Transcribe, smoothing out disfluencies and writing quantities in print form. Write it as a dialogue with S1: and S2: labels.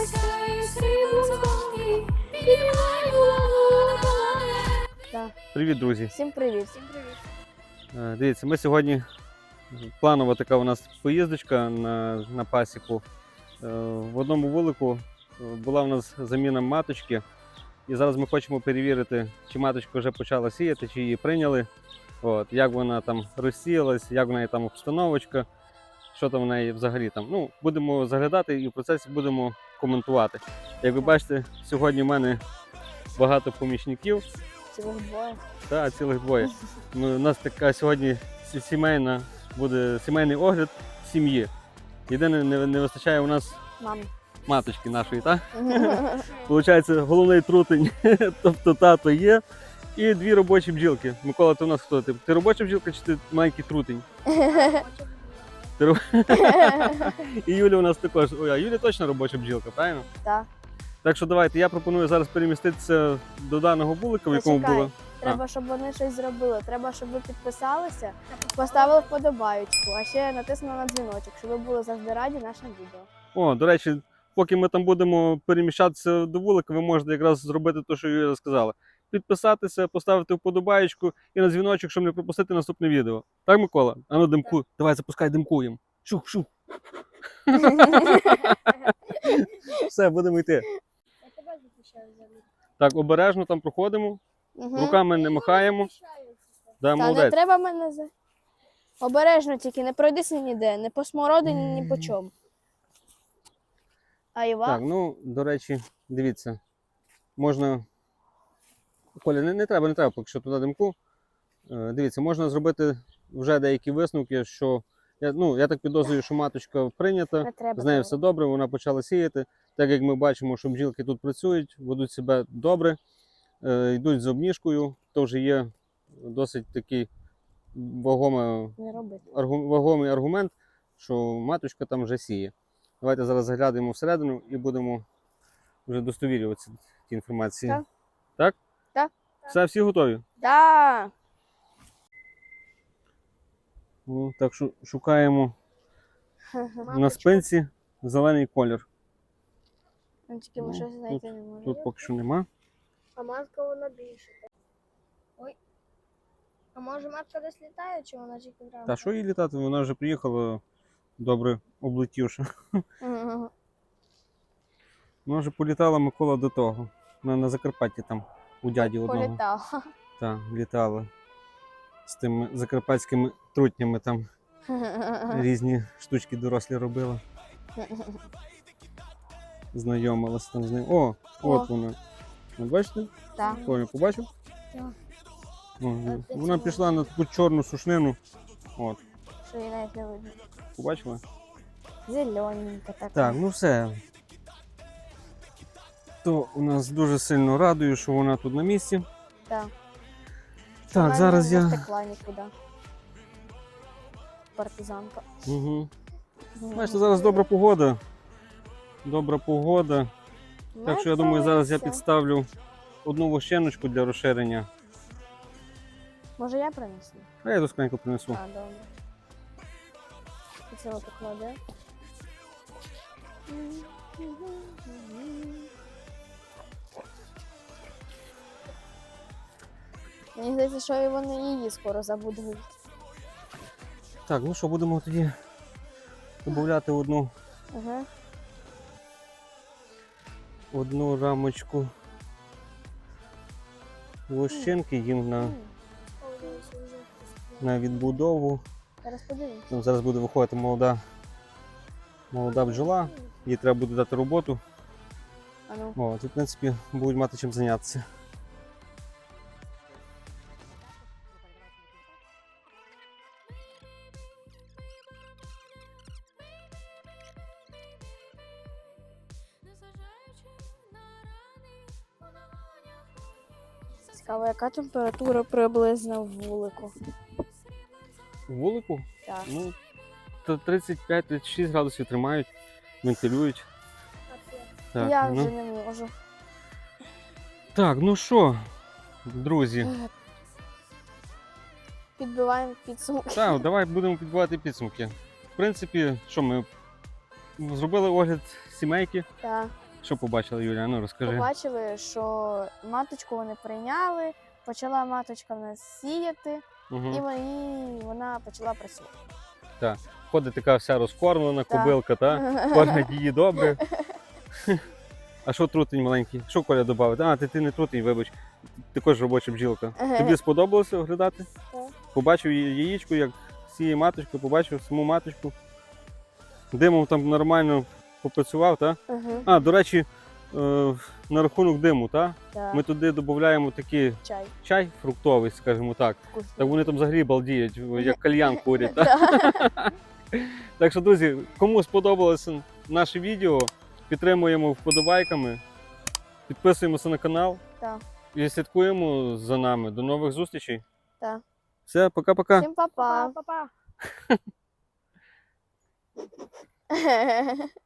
S1: Привіт, друзі!
S2: Всім привіт!
S1: Дивіться, ми сьогодні, планова така у нас поїздочка на пасіку. В одному вулику була у нас заміна маточки. І зараз ми хочемо перевірити, чи маточка вже почала сіяти, чи її прийняли. От, як вона там розсіялась, як в неї там обстановочка, що там в неї взагалі там. Ну, будемо заглядати і в процесі будемо коментувати. Як ви бачите, сьогодні в мене багато помічників.
S2: Цілих двоє.
S1: Так, цілих двоє. У нас така сьогодні буде сімейний огляд сім'ї. Єдине, не вистачає у нас
S2: Мам.
S1: маточки нашої, так? Получається, головний трутень, тобто тато є, і дві робочі бджілки. Микола, ти у нас хто? Ти робоча бджілка чи ти маленький трутень? І Юля у нас також. Ой, а Юля точно робоча бджілка, правильно?
S2: Так.
S1: Так що давайте, я пропоную зараз переміститися до даного вулика, в якому було.
S2: Треба, щоб вони щось зробили. Треба, щоб ви підписалися, поставили вподобаючку, а ще натиснули на дзвіночок, щоб ви були завжди раді нашим відео.
S1: О, до речі, поки ми там будемо переміщатися до вулика, ви можете якраз зробити те, що Юля сказала. Підписатися, поставити вподобаєчку і на дзвіночок, щоб не пропустити наступне відео. Так, Микола? А ну, димку. Так. Давай, запускай, димкуємо. Шух. Все, будемо йти.
S2: Я тебе захищаю взагалі.
S1: Так, обережно там проходимо. Руками не махаємо. Да,
S2: Та
S1: молодець.
S2: не треба мене за... Обережно тільки, не пройдися ніде, не по смородині, ні по чому. А Іва?
S1: Так, ну, до речі, дивіться. Можна... Коля, не треба поки що туди димку. Дивіться, можна зробити вже деякі висновки, що... Я так підозрюю, що маточка прийнята, з нею все добре, вона почала сіяти. Так як ми бачимо, що бджілки тут працюють, ведуть себе добре, йдуть з обніжкою, то вже є досить такий вагомий аргумент, що маточка там вже сіє. Давайте зараз заглянемо всередину і будемо вже достовірюватися ті інформації.
S2: Так.
S1: Так?
S2: Так.
S1: Все, всі готові?
S2: Так.
S1: Ну, так що шукаємо на спинці зелений колір.
S2: Тільки ми щось знайти не можемо.
S1: Тут поки що нема.
S2: А матка вона більше. Ой. А може матка десь літає, чи вона тільки грає?
S1: Та що їй літати? Вона вже приїхала добре облетівши. Вона вже політала, Микола, до того. На Закарпатті там у дяді одного.
S2: Політала.
S1: Так, літала. З тими закарпатськими трутнями там різні штучки дорослі робила. Знайомилась там з ним. О, от вона. Ви бачите?
S2: Так.
S1: Коля, побачив?
S2: Так.
S1: Вона пішла на таку чорну сушнину. От.
S2: Що її навіть не видно.
S1: Побачила?
S2: Зелененька така.
S1: Так, ну все. То у нас дуже сильно радує, що вона тут на місці.
S2: Так.
S1: Так,
S2: вона
S1: зараз
S2: не
S1: я...
S2: втекла нікуди. Партизанка.
S1: Угу. Бачите, зараз добра погода. Добра погода. Так що я думаю, зараз я підставлю одну вощеночку для розширення.
S2: Може я принесу?
S1: А я досконько принесу.
S2: А, добре. Це отак кладе. Мені здається, що і вони її скоро забудуть.
S1: Так, ну що, будемо тоді додати одну рамочку вощенки їм на відбудову.
S2: Зараз подивимось.
S1: Зараз буде виходити молода бджола, їй треба буде дати роботу. От, і, в принципі, будуть мати чим зайнятися.
S2: Цікаво, яка температура приблизно в вулику?
S1: У вулику?
S2: Так.
S1: Ну, 35-36 градусів тримають, вентилюють. Так,
S2: Я вже не можу.
S1: Так, ну що, друзі.
S2: Підбиваємо підсумки.
S1: Так, давай будемо підбивати підсумки. В принципі, що ми зробили огляд сімейки.
S2: Так.
S1: Що побачила Юля? Ну розкажи.
S2: Побачили, що маточку вони прийняли, почала маточка в нас сіяти,
S1: Угу.
S2: і вона почала працювати.
S1: Ходить така вся розкормлена
S2: Так.
S1: кобилка, та? Кормять її добре. А що трутень маленький? Що Коля додав? А, ти не трутень, вибач. Ти також робоча бжілка. Тобі сподобалося оглядати?
S2: Так.
S1: Побачив яєчко, як сіє маточка, побачив саму маточку. Димом там нормально попрацював, так?
S2: Угу.
S1: А, до речі, на рахунок диму, так?
S2: Так.
S1: Ми туди додаємо такий
S2: Чай.
S1: чай фруктовий, скажімо так.
S2: Вкусний.
S1: Так вони там взагалі балдіють, як кальян курять. Так?
S2: Так.
S1: Так що, друзі, кому сподобалося наше відео, підтримуємо вподобайками, підписуємося на канал
S2: Так.
S1: і слідкуємо за нами. До нових зустрічей.
S2: Так.
S1: Все, пока-пока.
S2: Всім па-па.
S3: Па-па.